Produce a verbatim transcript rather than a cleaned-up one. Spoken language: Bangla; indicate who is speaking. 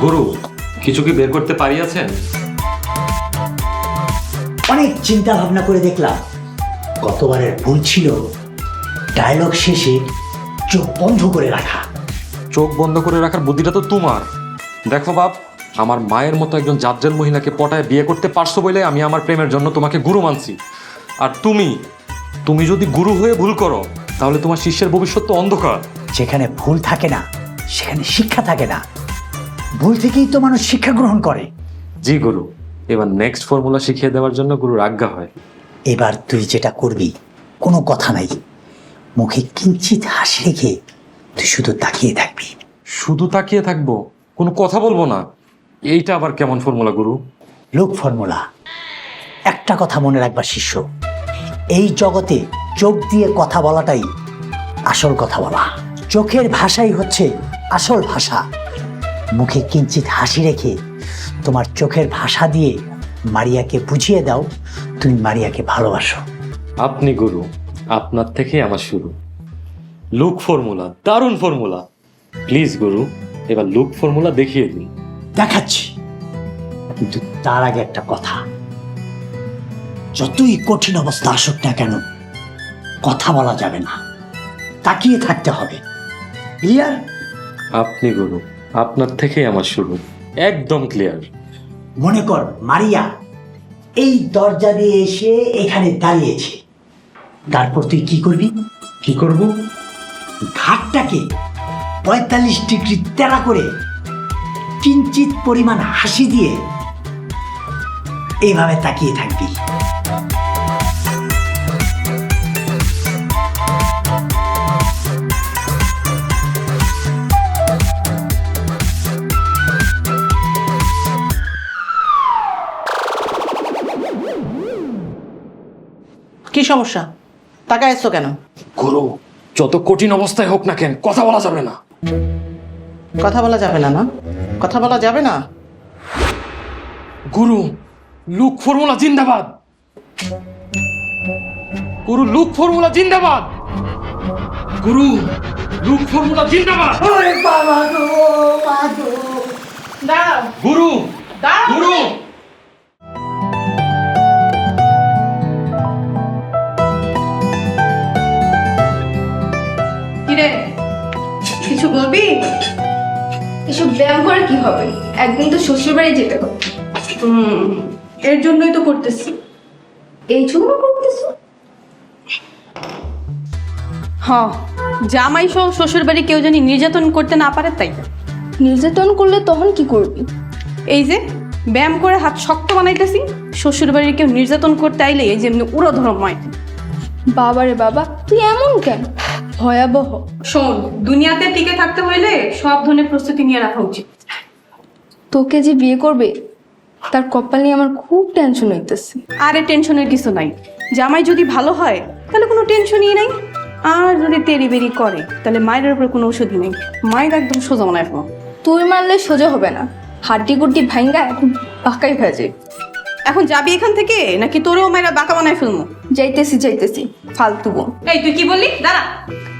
Speaker 1: গুরু কিছু কি বের করতে পারিয়াছেন?
Speaker 2: অনেক চিন্তা ভাবনা করে দেখলাম গতবারের ভুল ছিল ডায়লগ শেষে চোখ বন্ধ করে রাখা।
Speaker 1: চোখ বন্ধ করে রাখার বুদ্ধিটা তো তোমার। দেখো বাপ, আমার মায়ের মতো একজন জাজ্জাল মহিলাকে পটায় বিয়ে করতে পারছো বলে আমি আমার প্রেমের জন্য তোমাকে গুরু মানছি। আর তুমি তুমি যদি গুরু হয়ে ভুল করো তাহলে তোমার শিষ্যের ভবিষ্যৎ তো অন্ধকার।
Speaker 2: যেখানে ভুল থাকে না সেখানে শিক্ষা থাকে না। ভুল থেকেই তো মানুষ শিক্ষা গ্রহণ করে।
Speaker 1: জি গুরু, এবার নেক্সট ফর্মুলা শিখিয়ে দেওয়ার জন্য গুরুর আজ্ঞা হয়।
Speaker 2: এবার তুই যেটা করবি কোনো কথা নাই, মুখে কিঞ্চিত হাসি রেখে তুই শুধু তাকিয়ে থাকবি।
Speaker 1: শুধু তাকিয়ে থাকবো, কোনো কথা বলবো না? এইটা আবার কেমন ফর্মুলা গুরু?
Speaker 2: লোক ফর্মুলা। একটা কথা মনে রাখবা শিষ্য, এই জগতে চোখ দিয়ে কথা বলাটাই আসল কথা বলা। চোখের ভাষাই হচ্ছে আসল ভাষা। মুখে কিঞ্চিত হাসি রেখে তোমার চোখের ভাষা দিয়ে মারিয়াকে বুঝিয়ে দাও তুমি মারিয়াকে ভালোবাসো।
Speaker 1: আপনি গুরু, আপনার থেকে আমার শুরু। লুক ফর্মুলা, দারুণ ফর্মুলা। প্লিজ গুরু, এবার লুক ফর্মুলা দেখিয়ে দিন।
Speaker 2: দেখাচ্ছি, কিন্তু তার আগে একটা কথা, যতই কঠিন অবস্থা আসুক না কেন কথা বলা যাবে না, তাকিয়ে থাকতে হবে। ক্লিয়ার?
Speaker 1: আপনি গুরু, আপনার থেকে আমার শুরু। একদম ক্লিয়ার।
Speaker 2: মনে কর মারিয়া এই দরজা দিয়ে এসে এখানে দাঁড়িয়েছে, তারপর তুই কি করবি?
Speaker 1: কি করব?
Speaker 2: ঘাটটাকে পঁয়তাল্লিশ ডিগ্রি তেরা করে কিঞ্চিত পরিমাণ হাসি দিয়ে এইভাবে তাকিয়ে থাকবি।
Speaker 3: কি সমস্যা? তাকায় এসছো কেন?
Speaker 1: গুরু, যত কঠিন অবস্থায় হোক না কেন কথা বলা যাবে না।
Speaker 3: কথা বলা যাবে না? না কথা বলা যাবে না?
Speaker 1: গুরু, লুক ফর্মুলা জিন্দাবাদ। গুরু, লুক ফর্মুলা জিন্দাবাদ। গুরু, লুক ফর্মুলা জিন্দাবাদ।
Speaker 2: ওরে বাবা গো, মা গো।
Speaker 3: দাঁড়াও,
Speaker 1: গুরু,
Speaker 3: দাঁড়াও।
Speaker 1: গুরু।
Speaker 4: কিরে, কিছু বলবি? এসব ব্যায়াম করে কি হবে? একদিন তো শ্বশুর বাড়ি যেতে হবে।
Speaker 5: হুম, এর জন্যই তো করতেছি।
Speaker 4: এই জন্য করতেছো?
Speaker 5: হ্যাঁ, জামাই সহ শ্বশুর বাড়ি কেউ জানি নির্যাতন করতে না পারে তাই।
Speaker 4: নির্যাতন করলে তখন কি করবি?
Speaker 5: এই যে ব্যায়াম করে হাত শক্ত বানাইতেছি, শ্বশুর বাড়ির কেউ নির্যাতন করতে আইলে এই যেমনি উড়ো ধরম হয়।
Speaker 4: বাবারে বাবা, তুই এমন কেন? ভয়াবহ।
Speaker 5: শোন, দুনিয়াতে টিকে থাকতে হইলে সব ধরনের প্রস্তুতি নিয়ে রাখা উচিত।
Speaker 4: তোকে যে বিয়ে করবে তার কপাল নিয়ে আমার খুব টেনশন হইতেছে।
Speaker 5: আরে টেনশনের কিছু নাই, জামাই যদি ভালো হয় তাহলে কোনো টেনশনই নাই। আর যদি তেরি বেরি করে তাহলে মায়ের উপরে কোনো ওষুধই নেই, মায়ের একদম সোজা মনে রাখবো।
Speaker 4: তুই মারলে সোজা হবে না, হাড্ডি গুড্ডি ভাঙ্গা এখন বাঁকাই হয়ে যায়।
Speaker 5: এখন যাবি এখান থেকে নাকি তোরেও মায়েরা বাঁকা বানায় ফেলবো?
Speaker 4: যাইতেছি যাইতেছি ফালতু বোন।
Speaker 5: এই তুই কি বললি? দাঁড়া।